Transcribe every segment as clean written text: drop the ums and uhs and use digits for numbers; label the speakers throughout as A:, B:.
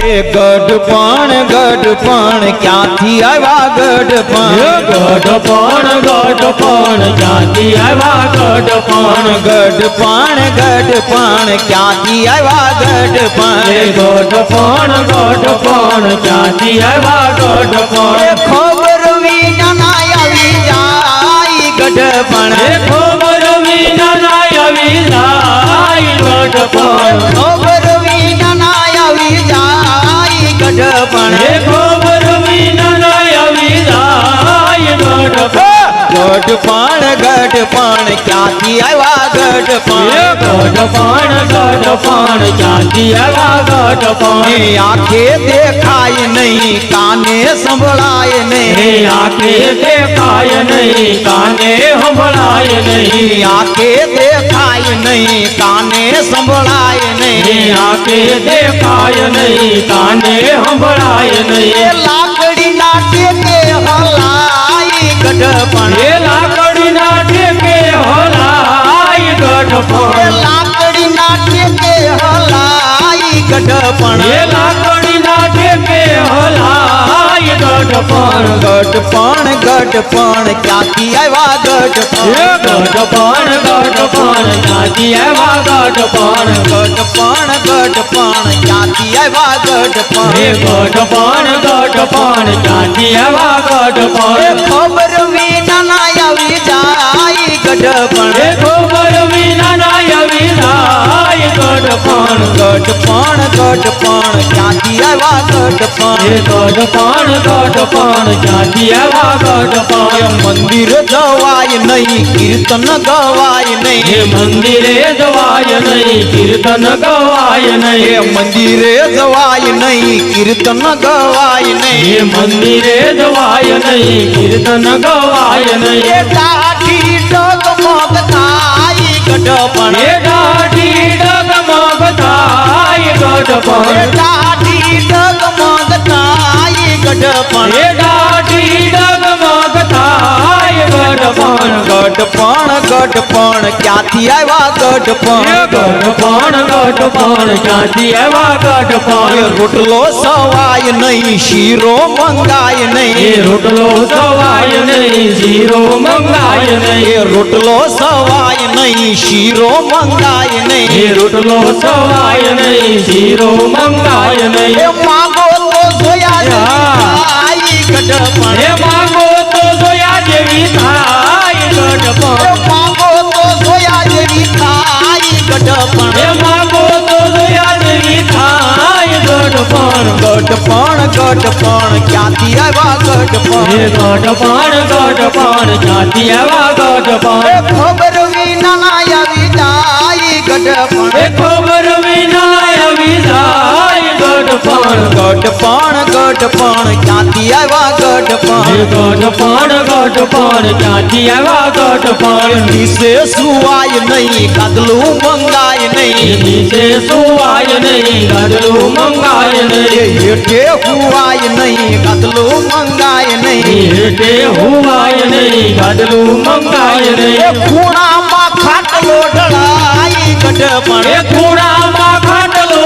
A: गढ़पण गढ़पण क्यांथी आवा गढ़पण
B: गढ़पण गढ़पण क्यांथी आवा गढ़पण
A: गढ़पण गढ़पण क्यांथी आवा गढ़पण
B: गढ़पण गढ़पण क्यांथी आवा गढ़पण
A: खबर विना ना आवी जाई गढ़पण
B: खबर विना ना आवी जाई गढ़पण
A: खबर विना ना आवी जाई गढ़पण
B: खबर विना ना आवी जाई गढ़पण
A: गढ़पण गढ़पण क्यांथी आवा गढ़पण
B: गढ़पण गढ़पण क्यांथी आवा गढ़पण
A: आंखे देखाय नहीं काने संभळाय नहीं
B: आंखे देखाय नहीं काने संभळाय नहीं
A: आंखे देखाय नहीं काने संभळाय नहीं
B: आंखे देखाय नहीं काने संभळाय नहीं
A: लाकड़ी नाटे के हलाई गढ़पण
B: लाकड़ी नाटे के हलाई गढ़पण
A: लाकड़ी नाटे के हलाई गढ़पण
B: लाकड़ी नाटे के हलाई गढ़पण
A: गढ़पण गढ़पण क्यांथी आवा गढ़पण
B: गढ़पण गढ़पण क्यांथी आवा गढ़पण
A: गढ़पण गढ़पण क्यांथी आवा गढ़पण
B: गढ़पण गढ़पण क्यांथी आवा गढ़पण
A: खबर विना ना आवी जाई गढ़पण
B: खबर विना ना आवी जाई गढ़पण
A: गढ़पण गढ़पण क्यांथी आवा गढ़पण
B: गढ़पण गढ़पण क्यांथी आवा गढ़पण
A: मंदिर जवाय नहीं कीर्तन गवाय नहीं
B: मंदिरे जवाय नहीं कीर्तन गवाय नहीं
A: मंदिरे जवाय नहीं कीर्तन गवाय नहीं
B: मंदिरे जवाय नहीं कीर्तन गवाय नहीं
A: दाढ़ी डगमग थाई गढ़पण
B: दाढ़ी डगमग थाई गढ़पण
A: दाढ़ी डगमग थाई गढ़पण
B: दाढ़ी डगमग थाई गढ़पण
A: गढ़पण गढ़पण क्यांथी आवा गढ़पण
B: गढ़पण गढ़पण क्यांथी आवा गढ़पण
A: रोटलो सवाय नहीं शीरो मंगाय नहीं
B: रोटलो सवाय नहीं शीरो मंगाय नहीं
A: रोटलो सवाय नहीं शीरो मंगाय नहीं
B: रोटलो सवाय नहीं शीरो मंगाय नहीं
A: मांगो तो सोया आई गढ़पण
B: मांगो तो सोया देवी थाई गढ़पण
A: मांगो तो सोया देवी थाई गढ़पण
B: मांगो तो सोया देवी थाई गढ़पण
A: गढ़पण गढ़पण क्यांथी आवा गढ़पण
B: गढ़पण गढ़पण क्यांथी आवा गढ़पण
A: खबर विना ना आवी जाई गढ़पण
B: खबर विना आवी जाई गढ़पण
A: गढ़पण गढ़पण क्यांथी आवा गढ़पण
B: गढ़पण गढ़पण क्यांथी आवा गढ़पण
A: निसे सुवाय नहीं गदलू मंगाय नहीं
B: नीचे सुवाय नहीं गदलू मंगाय नहीं
A: हेठे हुआय नहीं गदलू मंगाय नहीं
B: हेठे हुआय नहीं गदलू मंगाय नहीं
A: खूणा मा खाटलो ढळाई गढ़पण
B: खूणा मा खाटलो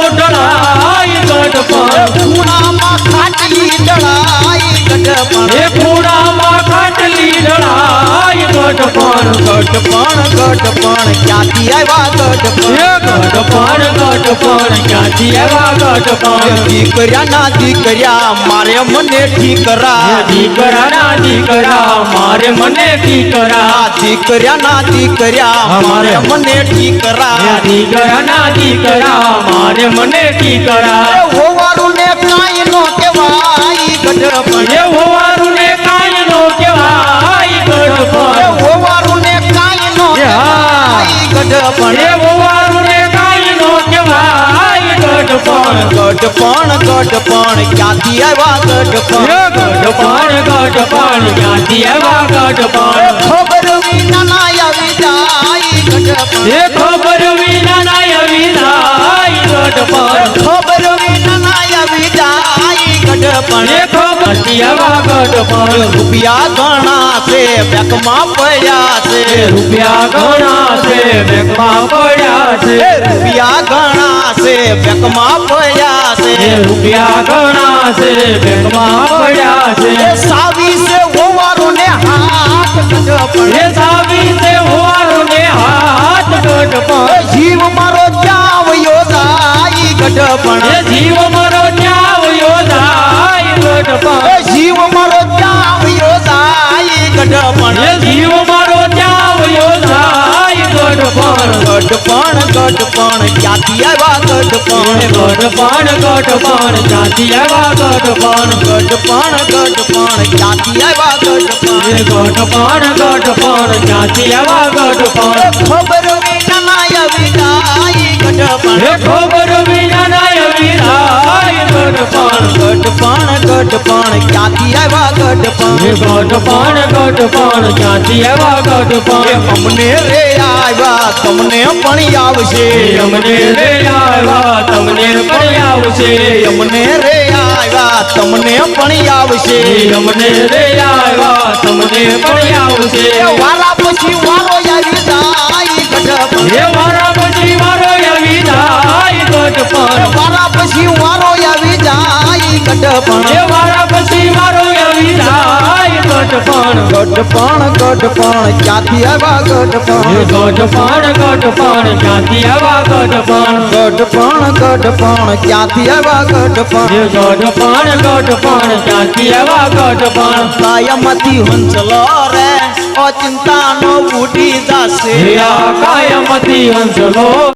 B: ढळाई गढ़पण
A: खूणा मा खाटली ढळाई गढ़पण
B: खूणा मा खाटली ढळाई गढ़पण
A: गढ़पण गढ़पण क्यांथी आवा गढ़पण
B: गढ़पण गढ़पण क्यांथी आवा गढ़पण
A: दीकर्या ना दीकर्या मारे मने ठीकरा
B: दीकरा ना दीकरा मारे मने ठीकरा
A: दीकर्या ना दीकर्या मारे मने ठीकरा
B: दीकरा ना दीकरा मारे मने ठीकरा
A: होवारू ने काई नो केवाई गढ़पण
B: होवारू ने काई नो केवाई गढ़पण
A: होवारू ने काई नो केवाई गढ़पण
B: होवारू ने काई नो केवाई गढ़पण
A: गढ़पण गढ़पण क्यांथी आवा गढ़पण
B: गढ़पण गढ़पण क्यांथी आवा गढ़पण
A: खबर विना ना आवी जाई गढ़पण
B: खबर विना ना आवी जाई गढ़पण
A: खबर विना ना आवी जाई गढ़पण
B: खबर ક્યાંથી આવા ગઢપણ
A: રૂપિયા ઘણા છે બેંકમાં પડ્યા છે
B: રૂપિયા ઘણા છે બેંકમાં પડ્યા છે
A: રૂપિયા ઘણા છે બેંકમાં પડ્યા છે
B: રૂપિયા ઘણા છે બેંકમાં પડ્યા છે
A: સાવી છે હોવારું ને હાથ ગઢપણ
B: એ સાવી છે હોવાનું ને હાથ ગઢપણ
A: જીવ મારો જાવયો જાય ગઢપણ
B: એ જીવ મારો જાવ યોધાય ગઢપણ
A: જીવ મારો જાવયો જાય ગઢપણ
B: એ જીવ મારો જાવ યોધાય ગઢપણ
A: ગઢપણ ગઢપણ ક્યાંથી આવ્યા ગઢપણ
B: ગઢપણ ગઢપણ ક્યાંથી આવ્યા ગઢપણ
A: ગઢપણ ગઢપણ ક્યાંથી આવ્યા ગઢપણ
B: ગઢપણ ગઢપણ ક્યાંથી આવ્યા ગઢપણ
A: ખબર વિના આવી જાય ગઢપણ
B: હે ખબર વિના નાય વિરાય ગઢપણ
A: ગઢપણ ગઢપણ ક્યાંથી આવ્યા ગઢપણ
B: ગઢપણ ગઢપણ ક્યાંથી આવ્યા ગઢપણ
A: અમને રે આવ્યા તમને પણ આવશે
B: અમને રે આવ્યા તમને પણ આવશે
A: અમને રે આવ્યા તમને પણ આવશે
B: અમને રે આવ્યા તમને પણ આવશે
A: વારા પછી વારો આવી જાય ગઢપણ
B: હે મારા પછી મારો આવી જાય ગઢપણ
A: વારા પછી વારો આવી જાય ગઢપણ
B: હે મારા પછી મારો આવી જાય ગઢપણ
A: ગઢપણ ગઢપણ ક્યાંથી આવ્યા ગઢપણ
B: ગઢપણ ગઢપણ ક્યાંથી આવ્યા ગઢપણ
A: ગઢપણ ગઢપણ ક્યાંથી આવ્યા ગઢપણ
B: ગઢપણ ગઢપણ ક્યાંથી આવ્યા ગઢપણ
A: કાયમથી હંસલો રે અચિંતાનો ઉડી જશે
B: કાયમતી હંસલો